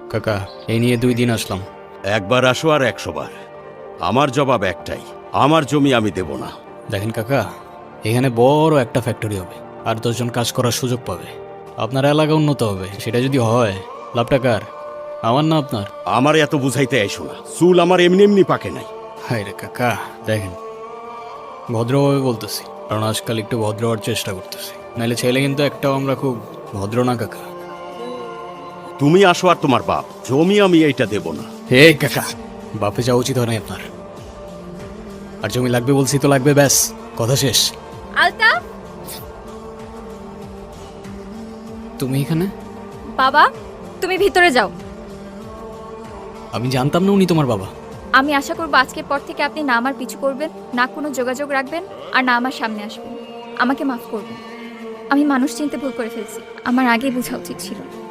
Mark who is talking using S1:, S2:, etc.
S1: কাকা এই নিয়ে 2 দিন আসলাম।
S2: একবার আসো আর 100 বার। আমার জবাব একটাই, আমার জমি আমি দেব না।
S1: দেখেন কাকা, এখানে বড় একটা ফ্যাক্টরি হবে, আর 10 জন কাজ করার সুযোগ পাবে। আপনার এলাকা উন্নত হবে, সেটা যদি হয় লাভটা কার? আমার না আপনার?
S2: আমার এত বুঝাইতে আইসো না, চুল আমার এমনি এমনি পাকে নাই।
S1: হায় রে কাকা, দেখেন ভদ্রভাবে বলতেছি, কারণ আজকাল একটু ভদ্র হওয়ার চেষ্টা করতেছি, নাহলে ছেলে কিন্তু একটাও আমরা খুব ভদ্র না কাকা।
S2: তুমি আসো আর তোমার বাপ, জমি আমি এইটা দেব না।
S1: হে কাকা, বাপে যাওয়া উচিত হয় না আপনার। আর জমি লাগবে বলছি তো লাগবে, ব্যাস কথা শেষ।
S3: আলতাফ,
S1: তুমি এখানে?
S3: বাবা তুমি ভিতরে যাও।
S1: আমি জানতাম না উনি তোমার বাবা।
S3: আমি আশা করব আজকের পর থেকে আপনি না আমার পিছু করবেন, না কোনো যোগাযোগ রাখবেন, আর না আমার সামনে আসবেন। আমাকে মাফ করবেন, আমি মানুষ চিনতে ভুল করে ফেলছি, আমার আগেই বোঝা উচিত ছিল।